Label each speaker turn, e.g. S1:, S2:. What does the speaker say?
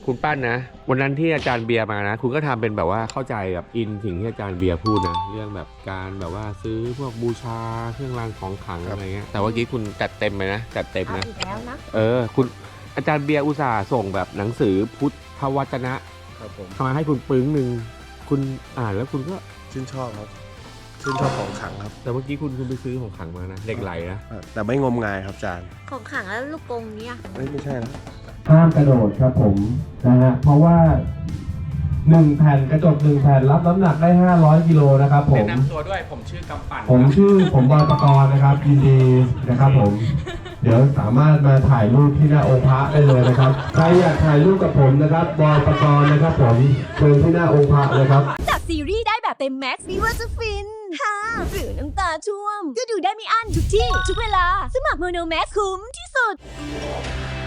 S1: คุณปั้นนะวันนั้นที่อาจารย์เบียร์มานะคุณก็ทำเป็นแบบว่าเข้าใจกับอินสิ่งที่อาจารย์เบียร์พูดนะเรื่องแบบการแบบว่าซื้อพวกบูชาเครื่องรางของขลังอะไรเงี้ยแต่ว่าเมื่อกี้คุณจัดเต็มไปนะจัดเต็ม
S2: เอา
S1: นะ
S2: อีกแล้วนะ
S1: คุณอาจารย์เบียร์อุตส่าห์ส่งแบบหนังสือพุทธวจนะครับ
S3: ผม
S1: มาให้คุณปึ้งหนึ่งคุณอ่านแล้วคุณก็
S3: ชื่นชอบครับชื่นชอบของขลังครับ
S1: แต่เมื่อกี้คุณไปซื้อของขลังมานะเหล็กไหลนะ
S3: แต่ไม่งมงายครับอาจารย์
S2: ของขังแล้วลูกกรงเนี่ย
S3: ไม่ใช่นะ
S4: ห้ามกระโดดครับผมนะฮะเพราะว่า1แผ่นกระจก1แผ่นรับน้ำหนักได้500กิโลนะครับผม
S1: แนะนำตัวด้วยผมชื่อกำปั่น
S4: ผมบอยปกรณ์นะครับยินดีนะครับผม เดี๋ยวสามารถมาถ่ายรูปที่หน้าองค์พระได้เลยนะครับใครอยากถ่ายรูปกับผมนะครับบอยปกรณ์นะครับผมเชิญที่หน้าองค์พระเลยครับ
S5: จากซีรีส์ได้แบบเต็มแม็กซ์ไม่ว่าจะฟินฮ่าหรือน้ำตาท่วม ก็ดูได้ไม่อั้นทุกที่ ทุกเวลา สมัครโมโนแม็กคุ้มที่สุด